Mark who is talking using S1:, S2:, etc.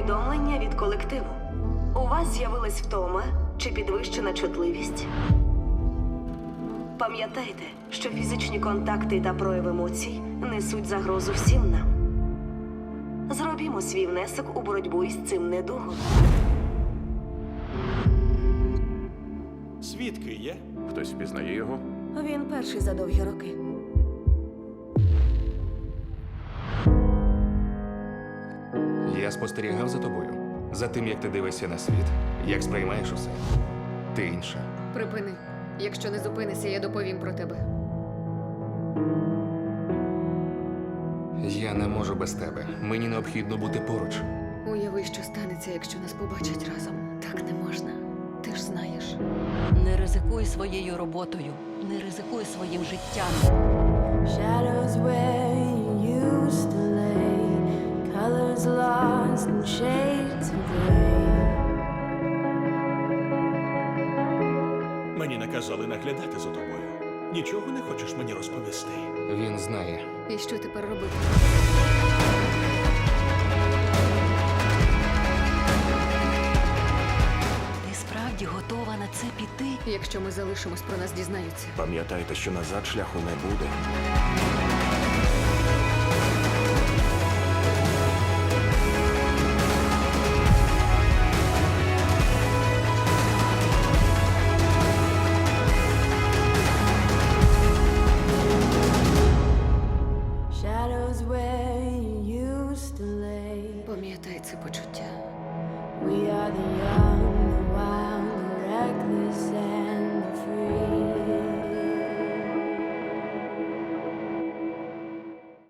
S1: Повідомлення від колективу. У вас з'явилась втома чи підвищена чутливість? Пам'ятайте, що фізичні контакти та прояв емоцій несуть загрозу всім нам. Зробімо свій внесок у боротьбу із цим недугом.
S2: Свідки є?
S3: Хтось впізнає його?
S1: Він перший за довгі роки.
S4: Я спостерігав за тобою. За тим, як ти дивишся на світ, як сприймаєш усе. Ти інша.
S5: Припини. Якщо не зупинишся, я доповім про тебе.
S4: Я не можу без тебе. Мені необхідно бути поруч.
S5: Уяви, що станеться, якщо нас побачать разом. Так не можна. Ти ж знаєш.
S6: Не ризикуй своєю роботою, не ризикуй своїм життям.
S7: Shadows where you used to lay, colors lost in shades of gray.
S2: Мені наказали наглядати за тобою. Нічого не хочеш мені розповісти?
S4: Він знає.
S5: І що тепер робити?
S6: Ти справді готова на це піти?
S5: Якщо ми залишимось, про нас дізнаються.
S3: Пам'ятайте, що назад шляху не буде.
S7: Shadows where you used to lay.
S5: Пам'ятай це почуття.